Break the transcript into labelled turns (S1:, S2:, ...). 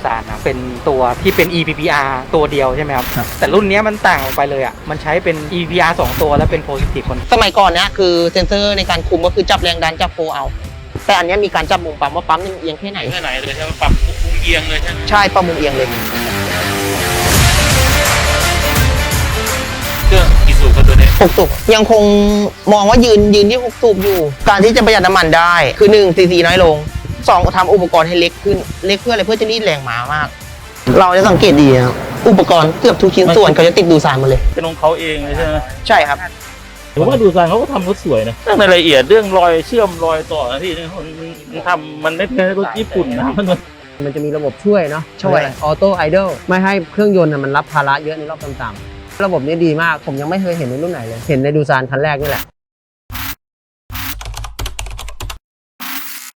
S1: ซานนะเป็นตัวที่เป็น EPPR ตัวเดียวใช่ไหมครับแต่รุ่นนี้มันต่างออกไปเลยอ่ะมันใช้เป็น EPPR 2 ตัวแล้วเป็น Positive คน
S2: สมัยก่อนเนี้ยคือเซนเซอร์ในการคุมก็คือจับแรงดันจับโฟเอาแต่อันนี้มีการจับมุมปั๊มว่าปั๊มนี่เอียงแค่ไหน
S3: เลยใช่ไหมปรับมุมเอียงเลยใช่ไหม
S2: ใช่ปรับมุมเอียงเลย
S3: เครื่องกี่สูบครับตัวนี้
S2: 6 สูบยังคงมองว่ายืนที่6 สูบอยู่การที่จะประหยัดน้ำมันได้คือ1 ซีซีน้อยลง2ทำอุปกรณ์ให้เล็กขึ้นเล็กเพื่ออะไรเพื่อจะรีดแรงม้ามากเราจะสังเกตดีครับอุปกรณ์เกือบทุกชิ้นส่วนเขาจะติดดูซานมาเลย
S3: เป็นของเขาเองเลยใช่ไหม
S2: ใช่ครับ
S3: ผมว่าดูซานเขาก็ทำรถสวยนะเรื่องรายละเอียดเรื่องรอยเชื่อมรอยต่อนะพี่มันทำมันไม่ใช่รถญี่ปุ่นนะ
S4: มันจะมีระบบช่วยเนาะช่วยออโต้ไอดอลไม่ให้เครื่องยนต์มันรับภาระเยอะในรอบต่ำๆระบบนี้ดีมากผมยังไม่เคยเห็นในรุ่นไหนเลยเห็นในดูซานคันแรกนี่แหละ